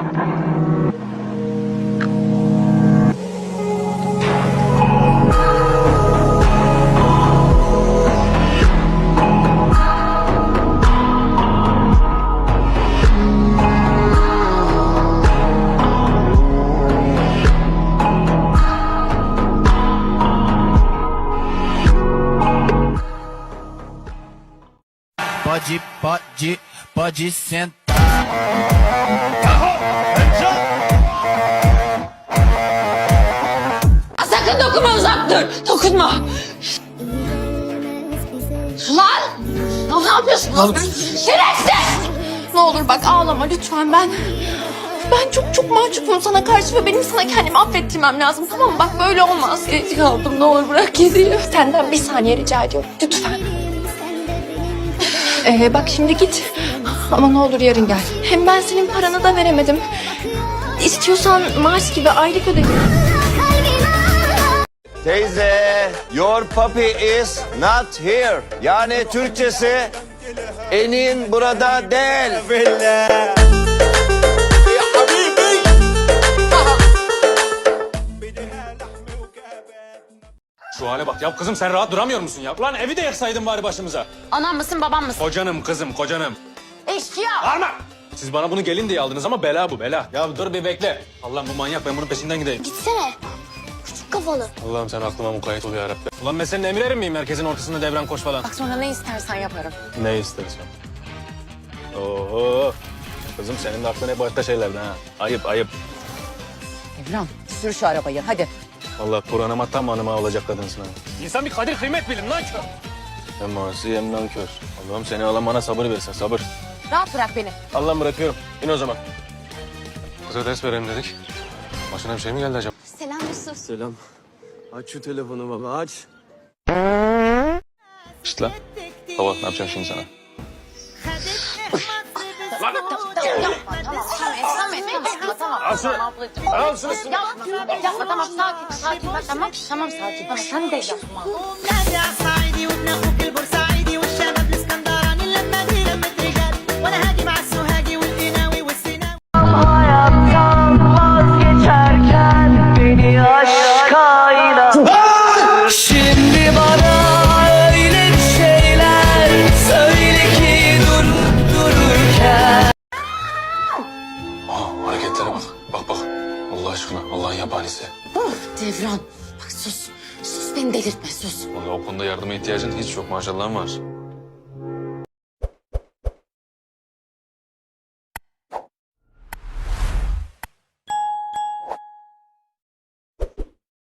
Pode sentar. Sakın dokunma, uzak dur. Dokunma. Lan! Ne yapıyorsun? Şerefsiz! Ne olur bak ağlama lütfen ben çok mahcubum sana karşı ve benim sana kendimi affettirmem lazım, tamam mı? Bak böyle olmaz. Geç kaldım, ne olur bırak kediyi. Senden bir saniye rica ediyorum lütfen. Bak şimdi git ama ne olur yarın gel. Hem ben senin paranı da veremedim. İstiyorsan maaş gibi aylık öde. Teyze, your puppy is not here. Yani Türkçesi, enin burada değil. Şu hale bak ya kızım, sen rahat duramıyor musun ya? Ulan evi de yaksaydın bari başımıza. Anam mısın, babam mısın? Kocanım kızım, kocanım. Eşkıya! Bağırma! Siz bana bunu gelin diye aldınız ama bela bu, bela. Ya dur bir bekle. Allah'ım bu manyak, ben bunun peşinden gideyim. Gitsene. Küçük kafalı. Allah'ım sen aklıma mukayyet ol ya Rabbi. Ulan ben senin emirerin miyim? Merkezin ortasında devran koş falan. Bak sonra ne istersen yaparım. Ne istersen. Oho. Kızım senin de aklın hep başka şeylerden ha. Ayıp, ayıp. Evren sür şu arabayı hadi. Allah Kur'an'ıma tam hanıma olacak kadınsın ha. İnsan bir kadir kıymet bilin lan kör. Hem asi hem nankör. Allah'ım seni alan bana sabır versin, sabır. Rahat bırak beni. Allah'ım bırakıyorum. İn o zaman. Kıza ders verelim dedik. Başına bir şey mi geldi acaba? Selam Yusuf. Selam. Aç şu telefonu baba, aç. Şşt lan. Baba ne yapacağım şimdi sana? Tamam. Al şunu. Al şunu. Yapma tamam, sakin bak, tamam sakin. Tamam sen de yapma. نادي عالصعيدي وابن اخوك البورسعيدي والشباب الاسكندراني اللمه دي لمه رجال وانا هاجي مع السوهاجي والقناوي والسيناوي. Hayattan vazgeçerken beni aşkayla şimdi bana öyle bir şeyler söyle ki durup dururken. Aa, hareketlere bak. Bak. Allah aşkına, Allah'ın yabanisi. Devran bak sus beni delirtme sus. Vallahi o konuda yardıma ihtiyacın hiç yok, maşallahın var.